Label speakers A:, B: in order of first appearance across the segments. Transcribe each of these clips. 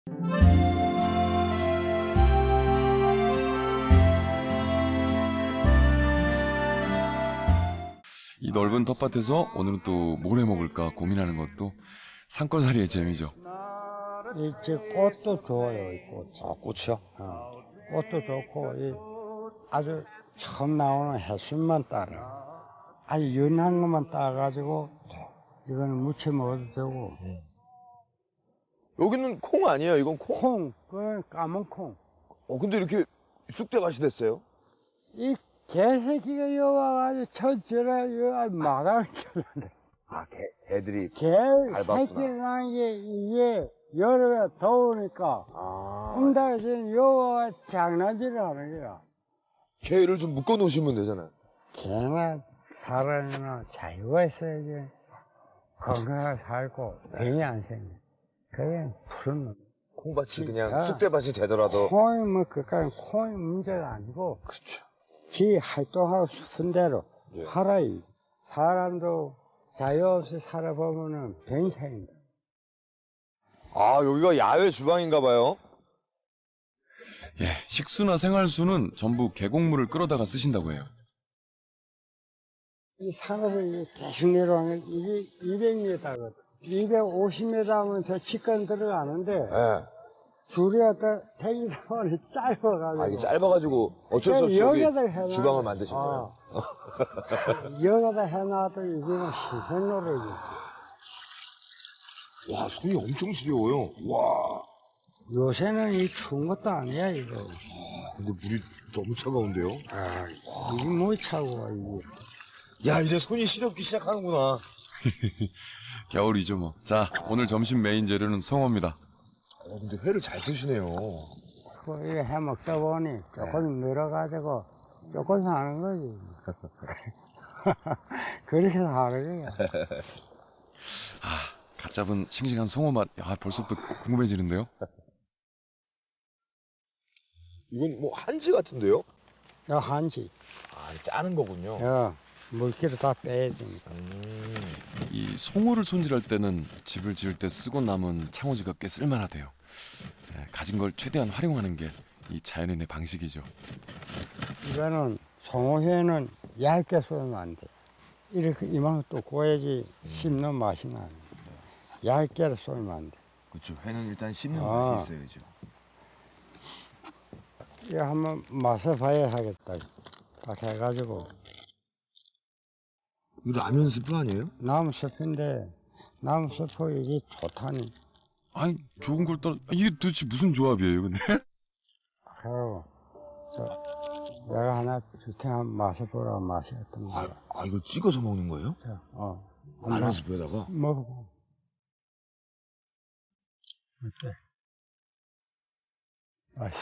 A: 이 넓은 텃밭에서 오늘은 또 뭘 해 먹을까 고민하는 것도 산골살이의 재미죠.
B: 이 꽃도 좋아요, 이 꽃.
C: 아, 꽃이요?
B: 꽃도 좋고, 아주 처음 나오는 해순만 따라. 아주 연한 것만 따가지고, 이거는 무쳐 먹어도 되고.
C: 여기는 콩 아니에요? 이건 콩?
B: 콩, 그건 까만 콩.
C: 근데 이렇게 쑥대밭이 됐어요?
B: 이 개새끼가 여와가지고 저라 여 마감을 쳐는데.
C: 아, 개들이.
B: 개 새끼를 낳은 게 이게 여름에 더우니까 응달에서는 여와가 장난질을 하는 거야.
C: 개를 좀 묶어 놓으시면 되잖아요.
B: 개나 사람이나 자유가 있어야지 건강하게 살고 병이 안 생겨. 그게 푸른 놈.
C: 콩밭이 그냥 쑥대밭이 되더라도.
B: 콩이 뭐 그까지 콩이 문제가 아니고
C: 그렇죠.
B: 지 활동하고 싶은 대로 하라. 사람도 자유 없이 살아보면은 병이 생긴다.
C: 아, 여기가 야외 주방인가 봐요.
A: 예, 식수나 생활수는 전부 계곡물을 끌어다가 쓰신다고 해요.
B: 이 산에서 이게 계속 내려가는 게 이게 200m거든. 250m 하면 저 직관 들어가는데
C: 네.
B: 줄이 갖다 대기다 보니 짧아가지고.
C: 아, 이게 짧아가지고 어쩔 수 없이 여기
B: 여기에다 해놔.
C: 주방을 만드신 거예요.
B: 여기다 해놔도 이게 뭐 시선노릇이지.
C: 와, 손이 엄청 시려워요. 와.
B: 요새는 이 추운 것도 아니야, 이거.
C: 근데 물이 너무 차가운데요?
B: 이게 뭐 차고, 이게.
C: 야, 이제 손이 시렵기 시작하는구나.
A: 겨울이죠 뭐. 자, 오늘 점심 메인 재료는 송어입니다.
C: 근데 회를 잘 드시네요.
B: 그거 이거 해 먹다 보니 조금 늘어가지고 조금 사는 거지. 그렇게 사는 거야.
A: 갓 잡은 싱싱한 송어 맛. 야, 벌써부터 궁금해지는데요.
C: 이건 뭐 한지 같은데요?
B: 야, 한지.
C: 아, 짜는 거군요.
B: 야, 물기를 다 빼야 되니까.
A: 이 송어를 손질할 때는 집을 지을 때 쓰고 남은 창호지가 꽤 쓸만하대요. 예, 가진 걸 최대한 활용하는 게 이 자연인의 방식이죠.
B: 이거는 송어회는 얇게 썰면 안 돼. 이렇게 이만큼 또 구워야지 씹는 맛이 나는 거야. 얇게 썰면 안 돼.
C: 그렇죠. 회는 일단 씹는
B: 맛이
C: 있어야죠.
B: 이거 한번 맛을 봐야 하겠다. 딱 해가지고.
C: 이거 라면 스프 아니에요?
B: 나무 숲인데 나무 숲이 이게 좋다니.
A: 아니, 좋은 걸 떠. 이게 도대체 무슨 조합이에요, 근데?
B: 그리고 내가 하나 줄테 한번 맛을 보라고 맛이 어떤 거야.
C: 이거 찍어서 먹는 거예요? 라면 스프에다가?
B: 먹어보. 어때? 맛이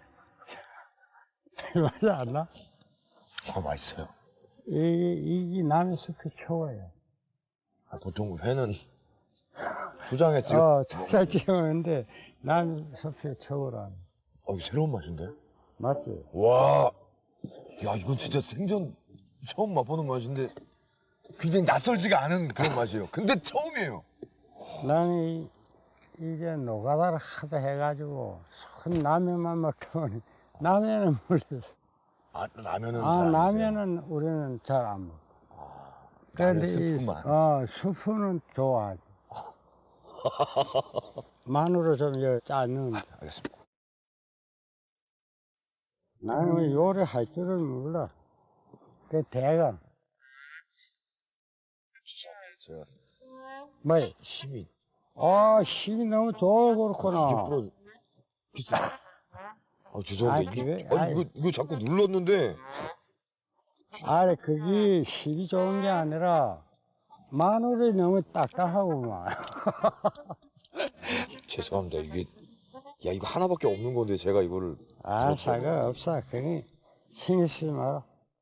B: 맛이 안 나?
C: 맛있어요.
B: 이 나무 숲이 최고예요.
C: 보통 회는 초장에 찍어.
B: 초장 찍었는데 나무 숲이 최고라.
C: 이거 새로운 맛인데?
B: 맞지?
C: 와, 야, 이건 진짜 생전 처음 맛보는 맛인데 굉장히 낯설지가 않은 그런 맛이에요. 근데 처음이에요.
B: 나는 이게 노가다를 하도 해가지고 손 라면만 먹다 보니 라면은 몰랐어.
C: 라면은 잘 안 드세요?
B: 라면은 우리는 잘 안 먹어.
C: 라면 스프만?
B: 스프는 좋아하지. 마늘을 좀 짜는.
C: 알겠습니다.
B: 나는 요리할 줄을 몰라. 그 대강.
C: 제가
B: 뭐?
C: 힘이
B: 힘이 너무 좋아 그렇구나.
C: 이게 부러져. 비싸. 죄송합니다. 이거 자꾸 눌렀는데.
B: 아래 그게 힘이 좋은 게 아니라 마늘이 너무 딱딱하구만.
C: 죄송합니다. 이거 하나밖에 없는 건데 제가 이거를.
B: 상관없어. 그게 신경 쓰지 마라.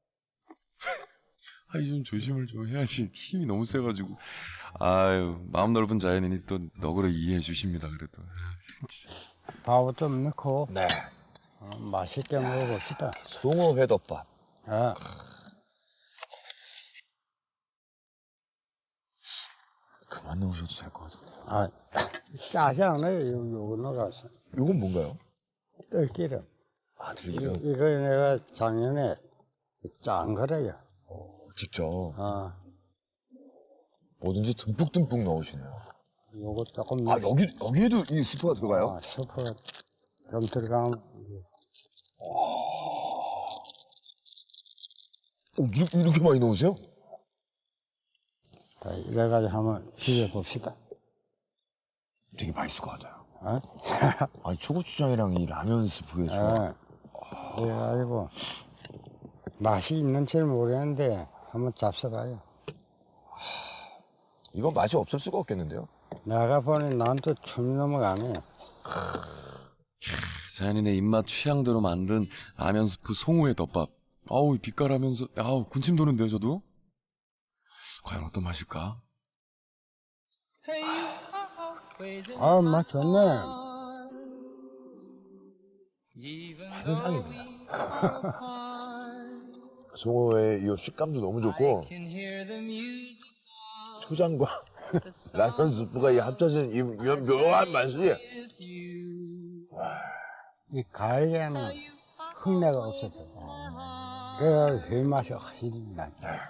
A: 좀 조심을 좀 해야지. 힘이 너무 세가지고. 아유, 마음 넓은 자연인이 또 너그러 이해해 주십니다, 그래도.
B: 밥을 좀 넣고
C: 네.
B: 맛있게 먹어봅시다.
C: 송어 회덮밥. 그만 안 넣으셔도 될 것 같은데.
B: 아, 짜지 않아요. 요거 넣어가서.
C: 이건 뭔가요?
B: 들기름.
C: 아, 들기름.
B: 이거 내가 작년에 짠 거래요.
C: 직접
B: 아,
C: 뭐든지 듬뿍듬뿍 넣으시네요.
B: 요거 조금.
C: 아, 여기에도 이 스프가 들어가요?
B: 아, 스프 좀 들어가면.
C: 이렇게 많이 넣으세요?
B: 자, 이래가지고 한번 비벼봅시다.
C: 되게 맛있을 것 같아요.
B: 어?
C: 아니, 초고추장이랑 이 라면 스프의 조합.
B: 이래가지고 맛이 있는지는 모르겠는데 한번 잡숴봐요.
C: 이건 맛이 없을 수가 없겠는데요?
B: 내가 보니 난 또 춤이 넘어가네.
A: 자연인의 입맛 취향대로 만든 라면 스프 송우의 덮밥. 아우 빛깔하면서 아우 군침 도는데요 저도. 과연 어떤 맛일까?
B: 아, 맛 좋네.
C: 환상입니다. 송어의 이 식감도 너무 좋고 초장과 라면 스프가 이 합쳐진 이 묘한 맛이
B: 이 가을에는 흙내가 없어서. 그래서 그 맛이 훨씬 나죠.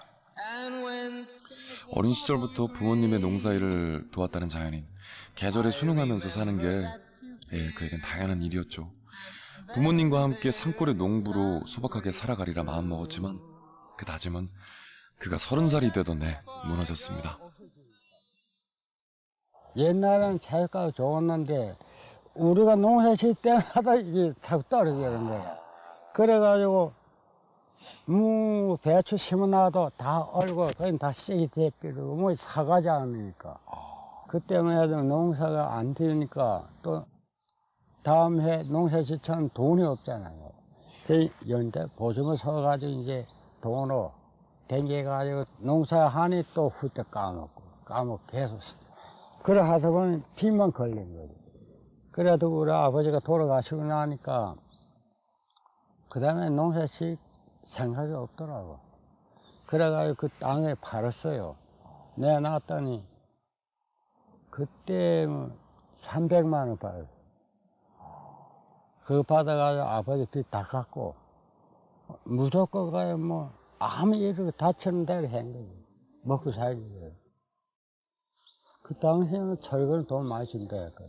A: 어린 시절부터 부모님의 농사일을 도왔다는 자연인. 계절에 순응하면서 사는 게 그에겐 당연한 일이었죠. 부모님과 함께 산골의 농부로 소박하게 살아가리라 마음먹었지만 그 다짐은 그가 30살이 되던 해 무너졌습니다.
B: 옛날에는 자유가가 좋았는데 우리가 농사 질 때마다 이게 자꾸 떨어지는 거야. 그래가지고 배추 심어놔도 다 얼고 그냥 다 썩이 돼버리고 뭐 사가지 않으니까. 그 때문에 농사가 안 되니까 또 다음 해 농사 짓자면 돈이 없잖아요. 그 연대 보증을 서가지고 이제 돈으로 댕겨가지고 농사하니 또 후딱 까먹고 계속. 그래 하다 보니 빚만 걸린 거지. 그래도 우리 아버지가 돌아가시고 나니까 그 다음에 농사 질 생각이 없더라고. 그래가지고 그 땅을 팔았어요. 내놨더니 그때 300만 원 받았어요. 그거 받아가지고 아버지 빚 다 갚고 무조건 가요. 뭐 아무 일을 다치는 대로 한 거지. 먹고 살기 위해. 그 당시에는 철거는 돈 많이 준다 했거든.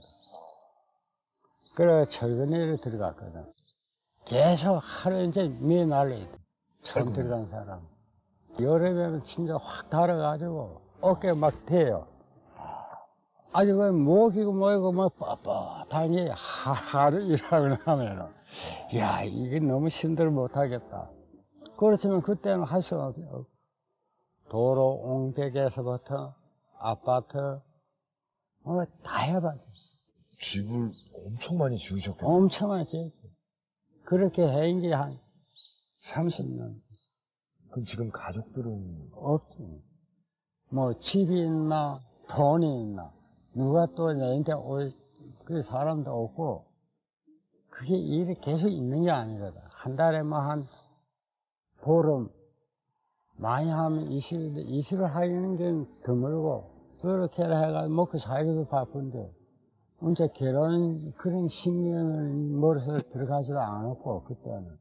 B: 그래 철거내로 들어갔거든. 계속 하루 이제 미에 날려야 돼. 처음 들어간 사람. 여름에는 진짜 확 달아가지고 어깨 막 대요. 아주 그 목이고 뭐이고 뭐 뻣뻣하니 하루 일하고 나면은 야 이게 너무 힘들어 못하겠다. 그렇지만 그때는 할 수 없어요. 도로 옹백에서부터 아파트 뭐 다 해봤지.
C: 집을 엄청 많이 지으셨겠네요.
B: 엄청 많이 지었지. 그렇게 해인 게 한 30년
C: 그럼 지금 가족들은
B: 없지. 뭐 집이 있나 돈이 있나 누가 또 내한테 올 그 사람도 없고 그게 일이 계속 있는 게 아니거든. 한 달에 뭐 한 보름 많이 하면 20을 하는 게 드물고 그렇게 해가지고 먹고 살기도 바쁜데 언제 결혼 그런 신경을 머릿속에 들어가지도 않았고 그때는.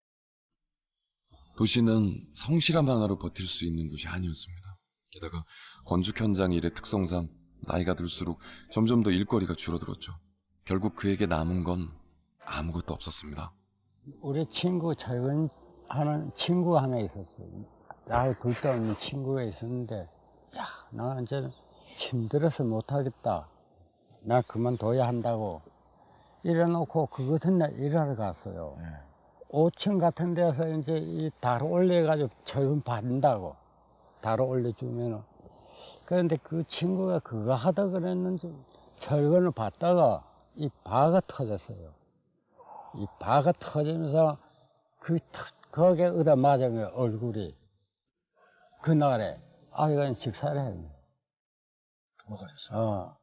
A: 도시는 성실함 하나로 버틸 수 있는 곳이 아니었습니다. 게다가 건축 현장 일의 특성상 나이가 들수록 점점 더 일거리가 줄어들었죠. 결국 그에게 남은 건 아무것도 없었습니다.
B: 우리 친구 철근하는 친구 하나 있었어요. 나하고 둘도 없는 친구가 있었는데 야, 나 이제 힘들어서 못하겠다. 나 그만둬야 한다고 이래놓고 그 같은 날 일하러 갔어요. 5층 같은 데서 이제 이 다로 올려가지고 철근 받는다고 다로 올려주면은. 그런데 그 친구가 그거 하다 그랬는지 철근을 받다가 이 바가 터졌어요. 이 바가 터지면서 거기에 얻어 맞은 거예요, 얼굴이. 그날에 아이가 직사를 했네.
C: 도망가셨어요?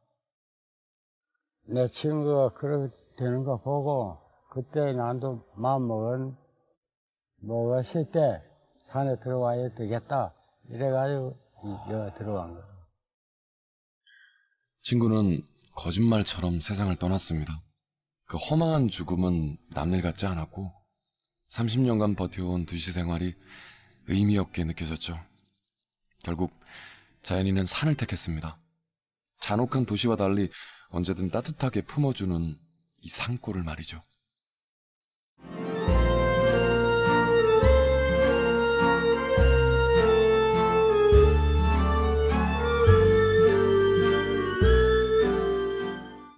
B: 내 친구가 그렇게 되는 거 보고 그때 나도 마음 먹었을 때 산에 들어와야 되겠다 이래가지고 여기 들어간 거야.
A: 친구는 거짓말처럼 세상을 떠났습니다. 그 허망한 죽음은 남일 같지 않았고 30년간 버텨온 도시 생활이 의미 없게 느껴졌죠. 결국 자연이는 산을 택했습니다. 잔혹한 도시와 달리 언제든 따뜻하게 품어주는 이 산골을 말이죠.